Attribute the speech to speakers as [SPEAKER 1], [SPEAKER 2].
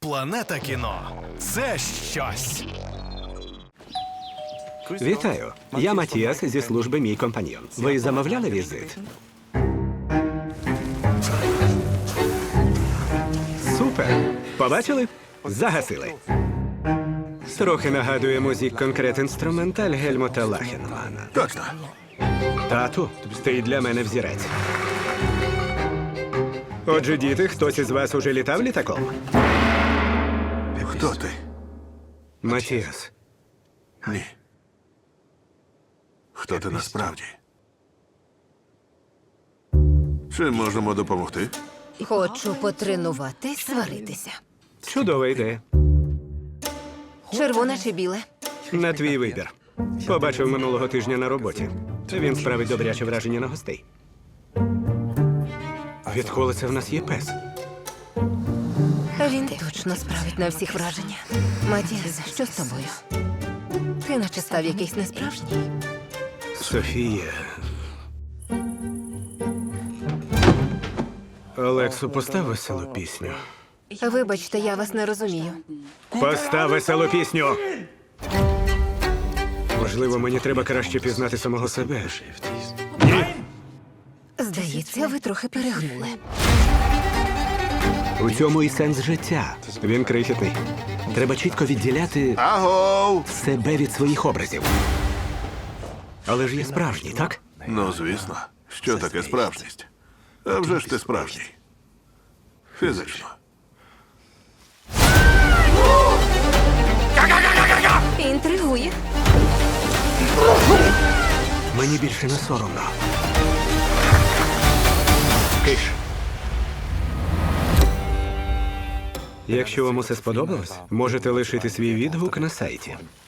[SPEAKER 1] Планета кіно – це щось.
[SPEAKER 2] Вітаю. Я Матіас зі служби «Мій компаньйон». Ви замовляли візит? Супер! Побачили? Загасили. Трохи нагадує музик конкрет інструменталь Гельмута Лахенмана.
[SPEAKER 3] Точно.
[SPEAKER 2] Тату, ти для мене взірець. Отже, діти, хтось із вас уже літав літаком?
[SPEAKER 3] Хто ти?
[SPEAKER 2] Матіас.
[SPEAKER 3] Ні. Хто ти насправді? Чим можемо допомогти?
[SPEAKER 4] Хочу потренуватись сваритися.
[SPEAKER 2] Чудова ідея.
[SPEAKER 4] Червоне чи біле?
[SPEAKER 2] На твій вибір. Побачив минулого тижня на роботі. Він справить добряче враження на гостей. Відколи це в нас є пес?
[SPEAKER 4] Він точно справить на всіх враження. Матіас, що з тобою? Ти наче став якийсь несправжній.
[SPEAKER 2] Софія. Олексу, постав веселу пісню.
[SPEAKER 4] Вибачте, я вас не розумію.
[SPEAKER 2] Постав веселу пісню! Можливо, мені треба краще пізнати самого себе.
[SPEAKER 4] Здається, ви трохи перегнули.
[SPEAKER 2] У цьому і сенс життя. Він крихітний. Треба чітко відділяти
[SPEAKER 3] Агов!
[SPEAKER 2] себе від своїх образів. Але ж є справжній, так?
[SPEAKER 3] Ну, звісно. Що таке справжність? А вже ж ти справжній. Фізично.
[SPEAKER 4] Інтригує.
[SPEAKER 2] Мені більше не соромно. Киш. Якщо вам усе сподобалось, можете лишити свій відгук на сайті.